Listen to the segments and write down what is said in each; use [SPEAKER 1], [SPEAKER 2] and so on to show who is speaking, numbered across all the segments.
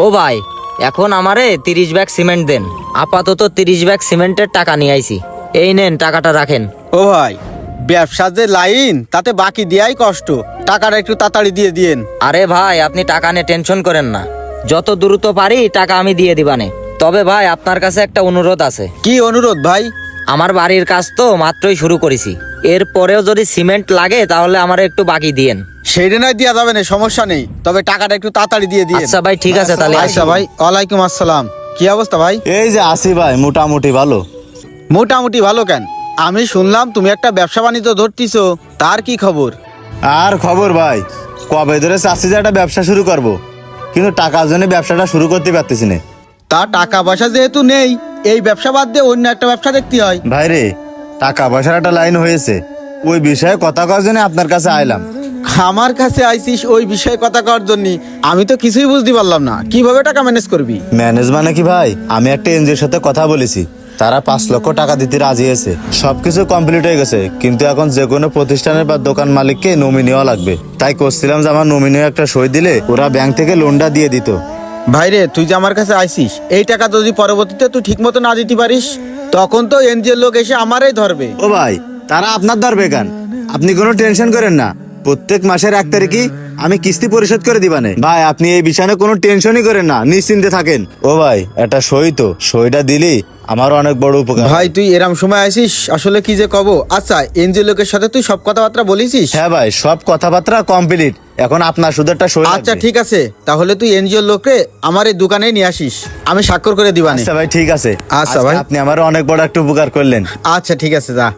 [SPEAKER 1] ও ভাই, এখন আমারে 30 ব্যাগ সিমেন্ট দেন। আপাতত 30 ব্যাগ সিমেন্টের টাকা নিয়ে আইছি। এই নেন, টাকাটা রাখেন।
[SPEAKER 2] ও ভাই, ব্যবসার যে লাইন তাতে বাকি দেয়াই কষ্ট, টাকাটা একটু তাড়াতাড়ি দিয়ে দিয়েন।
[SPEAKER 1] আরে ভাই, আপনি টাকা নিয়ে টেনশন করেন না, যত দ্রুত পারি টাকা আমি দিয়ে দিবানে। তবে ভাই, আপনার কাছে একটা অনুরোধ আছে।
[SPEAKER 2] কি অনুরোধ ভাই?
[SPEAKER 1] আমার বাড়ির কাজ তো মাত্রই শুরু করেছি, এরপরেও যদি সিমেন্ট লাগে তাহলে আমার একটু বাকি দিয়েন।
[SPEAKER 2] সেইটা নয় দেওয়া যাবে না, সমস্যা নেই, তবে টাকাটা একটু তাড়াতাড়ি দিয়ে দিয়েন।
[SPEAKER 1] আচ্ছা ভাই, ঠিক আছে তাহলে।
[SPEAKER 2] আচ্ছা ভাই, ওয়ালাইকুম আসসালাম। কি অবস্থা ভাই?
[SPEAKER 3] এই যে আসি ভাই, মোটামুটি ভালো।
[SPEAKER 2] মোটামুটি ভালো কেন? আমি শুনলাম তুমি একটা ব্যবসা বাণিজ্য ধরতিছো, তার কি খবর?
[SPEAKER 3] আর খবর ভাই, কবে ধরে চাচ্ছি যে একটা ব্যবসা শুরু করব, কিন্তু টাকার জন্য ব্যবসাটা শুরু করতে পারতেছি না।
[SPEAKER 2] তা টাকা পয়সা যেহেতু নেই, এই ব্যবসা বাদ দিয়ে অন্য একটা ব্যবসা দেখতে হয়।
[SPEAKER 3] ভাই রে, টাকা পয়সার একটা লাইন হয়েছে, ওই বিষয়ে কথা কওয়ার জন্য আপনার কাছে আইলাম।
[SPEAKER 2] আমার কাছে আইসিস ওই বিষয়ে কথা কওয়ার জন্য? আমি তো কিছুই বুঝতে পারলাম না, কিভাবে টাকা ম্যানেজ করবি?
[SPEAKER 3] ম্যানেজ মানে কি ভাই, আমি একটা এনজিওর সাথে কথা বলেছি, তারা 5 লক্ষ টাকা দিতে রাজি আছে। সবকিছু কমপ্লিট হয়ে গেছে, কিন্তু এখন যে কোনো প্রতিষ্ঠানের বা দোকান মালিককে নমিনি হওয়া লাগবে। তাই করছিলাম যে আমার নমিনি একটা সই দিলে ওরা ব্যাংক থেকে লোনটা দিয়ে দিত।
[SPEAKER 2] ভাইরে, তুই যে আমার কাছে আইসিস, এই টাকা যদি পরবর্তীতে তুই ঠিক মতো না দিতে পারিস, তখন তো এনজিওর লোক এসে আমারই ধরবে।
[SPEAKER 3] ও ভাই, তারা আপনার ধরবে কেন? আপনি কোনো টেনশন করেন না, প্রত্যেক মাসের 1 তারিখই আমি কিস্তি পরিশোধ করে দিবানে। ভাই, আপনি এই বিষয়ে কোনো টেনশনই করেন না, নিশ্চিন্তে থাকেন। ও ভাই, একটা সই তো, সইটা দিলি আমার অনেক বড় উপকার।
[SPEAKER 2] ভাই, তুই এরম সময় আইসিস, আসলে কি যে কব। আচ্ছা, এনজিও লোকের সাথে তুই সব কথাবার্তা বলিসিস?
[SPEAKER 3] হ্যাঁ ভাই, সব কথাবার্তা কমপ্লিট, এখন আপনার শুধু একটা সই
[SPEAKER 2] আচ্ছা
[SPEAKER 3] লাগবে।
[SPEAKER 2] ঠিক আছে, তাহলে তুই এনজিও লোকরে আমার এই দোকানে নিয়ে আসিস, আমি স্বাক্ষর করে দিবানে।
[SPEAKER 3] আচ্ছা ভাই, ঠিক আছে।
[SPEAKER 2] আচ্ছা
[SPEAKER 3] আজকে
[SPEAKER 2] ভাই।
[SPEAKER 3] আপনি আমার অনেক বড় একটা উপকার করলেন।
[SPEAKER 2] আচ্ছা ঠিক আছে, যা।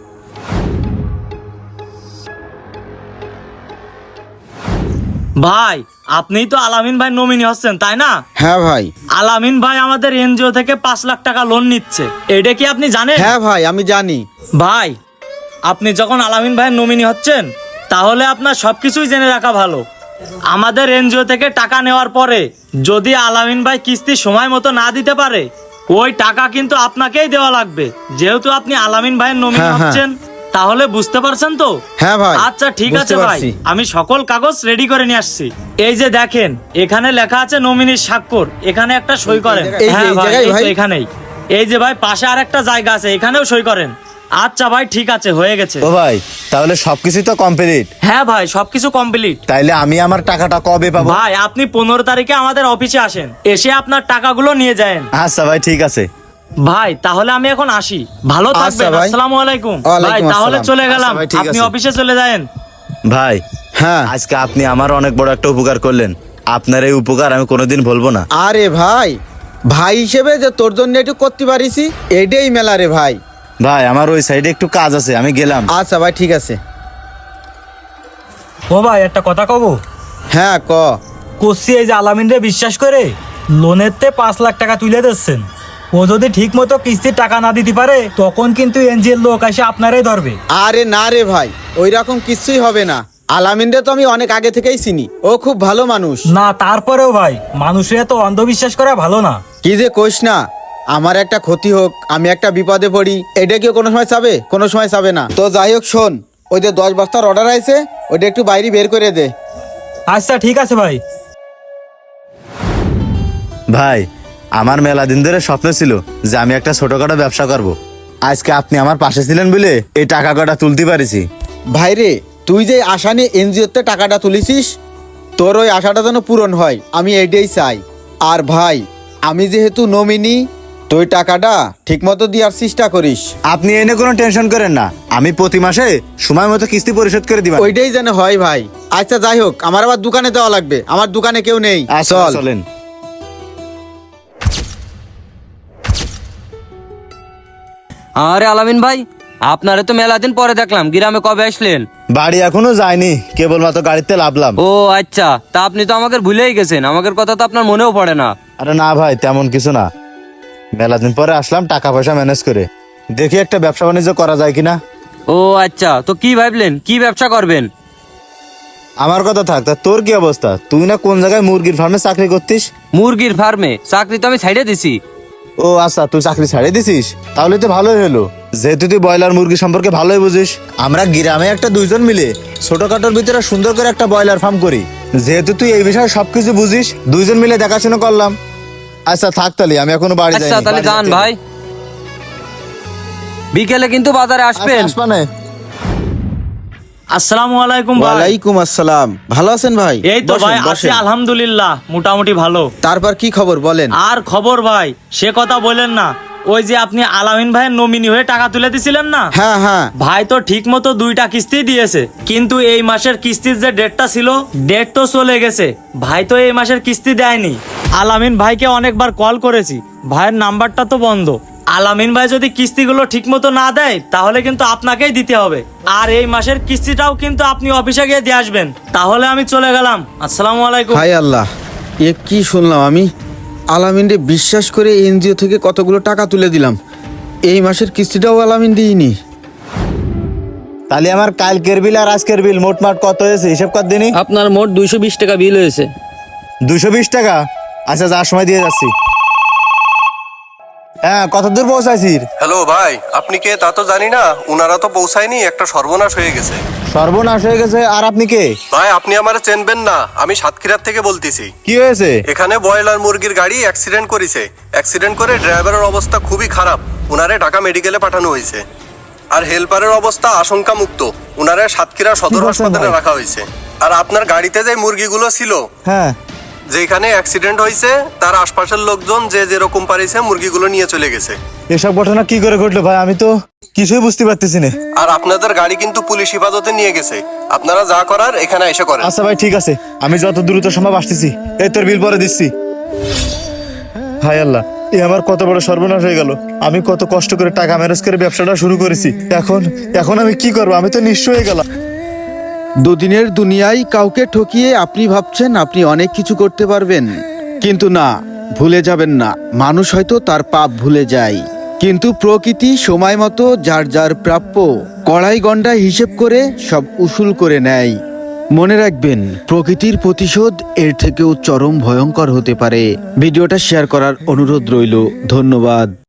[SPEAKER 4] ভাই, আপনিই তো আলামিন ভাই নমিনি হচ্ছেন, তাই না?
[SPEAKER 2] হ্যাঁ ভাই।
[SPEAKER 4] আলামিন ভাই আমাদের এনজিও থেকে 5 লাখ টাকা লোন নিচ্ছে, এটা কি আপনি জানেন?
[SPEAKER 2] হ্যাঁ ভাই, আমি জানি।
[SPEAKER 4] ভাই, আপনি যখন আলামিন ভাইয়ের নমিনি হচ্ছেন, তাহলে আপনার সবকিছুই জেনে রাখা ভালো। আমাদের এনজিও থেকে টাকা নেওয়ার পরে যদি আলামিন ভাই কিস্তি সময় মতো না দিতে পারে, ওই টাকা কিন্তু আপনাকেই দেওয়া লাগবে, যেহেতু আপনি আলামিন ভাইয়ের নমিনি
[SPEAKER 2] হ্যাঁ, হ্যাঁ।
[SPEAKER 4] হচ্ছেন। তাহলে বুঝতে পারছেন তো?
[SPEAKER 2] হ্যাঁ ভাই।
[SPEAKER 4] আচ্ছা ঠিক আছে
[SPEAKER 2] বুঝতে
[SPEAKER 4] ভাই,
[SPEAKER 2] পারছি।
[SPEAKER 4] আমি সকল কাগজ রেডি করে নিয়ে আসছি। এই যে দেখেন, এখানে লেখা আছে নমিনির স্বাক্ষর, এখানে একটা সই করেন।
[SPEAKER 2] এই যে
[SPEAKER 4] হ্যাঁ
[SPEAKER 2] এই
[SPEAKER 4] ভাই,
[SPEAKER 2] জায়গায়
[SPEAKER 4] এই তো
[SPEAKER 2] ভাই?
[SPEAKER 4] এখানেই। এই যে ভাই, পাশে আর একটা জায়গা আছে, এখানেও সই করেন। আচ্ছা ভাই, ঠিক আছে, হয়ে গেছে।
[SPEAKER 3] ও ভাই, তাহলে সবকিছু তো কমপ্লিট।
[SPEAKER 4] হ্যাঁ ভাই, সবকিছু কমপ্লিট।
[SPEAKER 3] তাইলে আমি আমার টাকাটা কবে পাবো?
[SPEAKER 4] ভাই, আপনি 15 তারিখে আমাদের অফিসে আসেন, এসে আপনার টাকাগুলো নিয়ে যান।
[SPEAKER 3] আচ্ছা ভাই, ঠিক আছে।
[SPEAKER 4] ভাই, তাহলে আমি এখন আসি, ভালো
[SPEAKER 2] আচ্ছা
[SPEAKER 4] থাকবেন।
[SPEAKER 2] ভাই।
[SPEAKER 4] আসসালামু আলাইকুম। ভাই,
[SPEAKER 2] ওয়ালাইকুম
[SPEAKER 4] তাহলে
[SPEAKER 2] আসসালাম।
[SPEAKER 4] চলে গেলাম,
[SPEAKER 3] আচ্ছা ভাই, ঠিক
[SPEAKER 4] আপনি
[SPEAKER 3] আছে।
[SPEAKER 4] অফিসে চলে যান।
[SPEAKER 3] ভাই,
[SPEAKER 2] হ্যাঁ।
[SPEAKER 3] আজকে আপনি আমার অনেক বড় একটা উপকার করলেন, আপনার এই উপকার আমি কোনোদিন ভুলবো না।
[SPEAKER 2] আরে ভাই, ভাই হিসেবে যে তোর জন্য একটু করতে পারিসি, এটাই মেলা রে ভাই।
[SPEAKER 3] ভাই, আমার ওই সাইডে একটু কাজ আছে, আমি গেলাম।
[SPEAKER 2] আচ্ছা ভাই, ঠিক আছে।
[SPEAKER 5] ও ভাই, একটা কথা কব।
[SPEAKER 2] হ্যাঁ, ক।
[SPEAKER 5] করছি, এই যে আলামিন রে বিশ্বাস করে লোনের তে 5 লাখ টাকা তুলে দিচ্ছেন, ও যদি ঠিক মতো কিস্তির টাকা না দিতে পারে, তখন কিন্তু এনজিএল লোক এসে আপনারাই ধরবে।
[SPEAKER 2] আরে না রে ভাই, ওই রকম কিছুই হবে না। আলামিনরে তো আমি অনেক আগে থেকেই চিনি, ও খুব ভালো মানুষ।
[SPEAKER 5] না, তারপরেও ভাই, মানুষের এত অন্ধবিশ্বাস করা ভালো না।
[SPEAKER 2] কি যে কোষ না, আমার একটা ক্ষতি হোক, আমি একটা বিপদে পড়ি, এটা কি কোনো সময় চাবে? কোনো সময় চাবে না। তো যাই হোক, শোন, ওই যে 10 বস্তার অর্ডার আছে, ওইটা একটু বাইরে বের করে দে।
[SPEAKER 5] আচ্ছা ঠিক আছে ভাই।
[SPEAKER 3] ভাই, আমার মেলা দিন ধরে স্বপ্ন ছিল যে আমি একটা ছোটখাটো ব্যবসা করব। আজকে আপনি আমার পাশে ছিলেন বলে এই টাকা কটা তুলতে পারিছি।
[SPEAKER 2] ভাইরে, তুই যে আশা নিয়ে এনজিওতে টাকাটা তুলিছিস, তোর ওই আশাটা যেন পূরণ হয়, আমি এইটাই চাই। আর ভাই, আমি যেহেতু নমিনি, তুই টাকাটা ঠিক মতো দেওয়ার চেষ্টা করিস।
[SPEAKER 3] আপনি এনে কোনো টেনশন করেন না, আমি প্রতি মাসে সময় মতো কিস্তি পরিশোধ করে দিবেন।
[SPEAKER 2] ওইটাই যেন হয় ভাই। আচ্ছা যাই হোক, আমার আবার দোকানে দেওয়া লাগবে, আমার দোকানে কেউ নেই।
[SPEAKER 3] আচ্ছা,
[SPEAKER 2] চল।
[SPEAKER 3] চলেন।
[SPEAKER 6] আরে আলামিন ভাই, আপনারে তো মেলা দিন পরে দেখলাম, গ্রামে কবে আসলেন?
[SPEAKER 3] বাড়ি এখনো যায়নি, কেবলমাত্র গাড়িতে লাভলাম।
[SPEAKER 6] ও আচ্ছা, তা আপনি তো আমাকে ভুলেই গেছেন, আমাদের কথা তো আপনার মনেও পড়ে না।
[SPEAKER 3] আরে না ভাই, তেমন কিছু না, মেলা দিন পরে আসলাম টাকা পয়সা ম্যানেজ করে, দেখি একটা ব্যবসা বাণিজ্য করা যায় কিনা।
[SPEAKER 6] ও আচ্ছা, তো কি ভাবলেন, কি ব্যবসা করবেন?
[SPEAKER 3] আমার কথা থাক, তা তোর কি অবস্থা? তুই না কোন জায়গায় মুরগির ফার্মে চাকরি করতিস?
[SPEAKER 6] মুরগির ফার্মে চাকরি তো আমি ছাইড়ে দিছি।
[SPEAKER 3] ও আচ্ছা, তুই চাকরি ছাড়িয়ে দিছিস, তাহলে তো ভালোই হলো, যেহেতু তুই ব্রয়লার মুরগি সম্পর্কে ভালোই বুঝিস। আমরা গ্রামে একটা 2জন মিলে ছোটখাটোর ভিতরে সুন্দর করে একটা ব্রয়লার ফার্ম করি, যেহেতু তুই এই বিষয়ে সবকিছু বুঝিস, 2জন মিলে দেখাশোনা করলাম। আচ্ছা থাক তাহলে, আমি এখনো বাড়ি যাই।
[SPEAKER 6] আচ্ছা তাহলে যান ভাই, বিকেলে কিন্তু বাজারে আসবেন।
[SPEAKER 3] মানে
[SPEAKER 4] আসসালামু আলাইকুম ভাই।
[SPEAKER 2] ওয়ালাইকুম আসসালাম। ভালো আছেন ভাই?
[SPEAKER 4] এই তো
[SPEAKER 2] বসেন,
[SPEAKER 4] ভাই আছি
[SPEAKER 2] বসেন।
[SPEAKER 4] আলহামদুলিল্লাহ, মোটামুটি ভালো।
[SPEAKER 2] তারপর কি খবর বলেন?
[SPEAKER 4] আর খবর ভাই, সে কথা বলেন না। ওই যে আপনি আলামিন ভাইয়ের নমিনি হয়ে টাকা তুলে দিছিলেন না,
[SPEAKER 2] হ্যাঁ হ্যাঁ।
[SPEAKER 4] ভাই তো ঠিক মতো 2টা কিস্তি দিয়েছে, কিন্তু এই মাসের কিস্তির যে ডেটটা ছিল, ডেট তো চলে গেছে। ভাই তো এই মাসের কিস্তি দেয়নি। আলামিন ভাইকে অনেকবার কল করেছি, ভাইয়ের নাম্বারটা তো বন্ধ। আলামিন ভাই যদি কিস্তিগুলো ঠিক মতো না দেয়, তাহলে কিন্তু আপনাকেই দিতে হবে। আর এই মাসের কিস্তিটাও কিন্তু আপনি অফিসে গিয়ে দিয়ে আসবেন। তাহলে আমি চলে গেলাম। আসসালামু আলাইকুম।
[SPEAKER 2] হায় আল্লাহ, এ কি শুনলাম আমি? আলামিনরে বিশ্বাস করে এনজিও থেকে কতগুলো টাকা তুলে দিলাম, এই মাসের কিস্তিটাও আলামিন দিইনি।
[SPEAKER 3] তাহলে আমার কালকের বিল আর আজকের বিল মোটমাট কত হয়েছে হিসাব কর দিনই?
[SPEAKER 6] আপনার মোট 220 টাকা বিল হয়েছে।
[SPEAKER 3] 220 টাকা? আচ্ছা যার সময় দিয়ে যাচ্ছি। হ্যাঁ, কত দূর পৌঁছাইছিস?
[SPEAKER 7] হ্যালো ভাই, আপনি কে তা তো জানি না। উনারা তো পৌঁছায়নি, একটা সর্বনাশ হয়ে গেছে।
[SPEAKER 3] সর্বনাশ হয়ে গেছে। আর আপনি কে?
[SPEAKER 7] ভাই আপনি আমারে চেনবেন না, আমি সাতক্ষীরার থেকে বলতেছি।
[SPEAKER 3] কি হয়েছে?
[SPEAKER 7] এখানে ব্রয়লার মুরগির গাড়ি অ্যাক্সিডেন্ট করেছে। অ্যাক্সিডেন্ট করে ড্রাইভারের অবস্থা খুবই খারাপ, উনারে ঢাকা মেডিকেলে পাঠানো হয়েছে। আর হেল্পারের অবস্থা আশঙ্কা মুক্ত, উনারে সাতক্ষীরা সদর
[SPEAKER 3] কি বলছেন
[SPEAKER 7] হাসপাতালে
[SPEAKER 3] ভাই?
[SPEAKER 7] রাখা হয়েছে। আর আপনার গাড়িতে যে মুরগিগুলো ছিল,
[SPEAKER 3] হ্যাঁ,
[SPEAKER 7] যেখানে অ্যাক্সিডেন্ট হয়েছে, তার আশপাশের লোকজন যে যেরকম পারিছে মুরগিগুলো নিয়ে চলে গেছে।
[SPEAKER 3] এসব ঘটনা কি করে ঘটলো ভাই? আমি তো কিছুই বুঝতে পারতেছি না।
[SPEAKER 7] আর আপনাদের গাড়ি কিন্তু পুলিশ হেফাজতে নিয়ে গেছে। আপনারা যা করার এখানে এসে করেন।
[SPEAKER 3] আচ্ছা ভাই ঠিক আছে, আমি যত দ্রুত সম্ভব আসতেছি। এই তোর বিল পরে দিচ্ছি। হায় আল্লাহ, এ আমার কত বড় সর্বনাশ হয়ে গেল। আমি কত কষ্ট করে টাকা ম্যানেজ করে ব্যবসাটা শুরু করেছি, এখন আমি কি করবো? আমি তো নিঃস্ব হয়ে গেলাম।
[SPEAKER 2] দুদিনের দুনিয়ায় কাউকে ঠকিয়ে আপনি ভাবছেন আপনি অনেক কিছু করতে পারবেন, কিন্তু না, ভুলে যাবেন না, মানুষ হয়তো তার পাপ ভুলে যায়, কিন্তু প্রকৃতি সময় মতো যার যার প্রাপ্য কড়াই গন্ডায় হিসেব করে সব উসুল করে নেয়। মনে রাখবেন, প্রকৃতির প্রতিশোধ এর থেকেও চরম ভয়ঙ্কর হতে পারে। ভিডিওটা শেয়ার করার অনুরোধ রইল। ধন্যবাদ।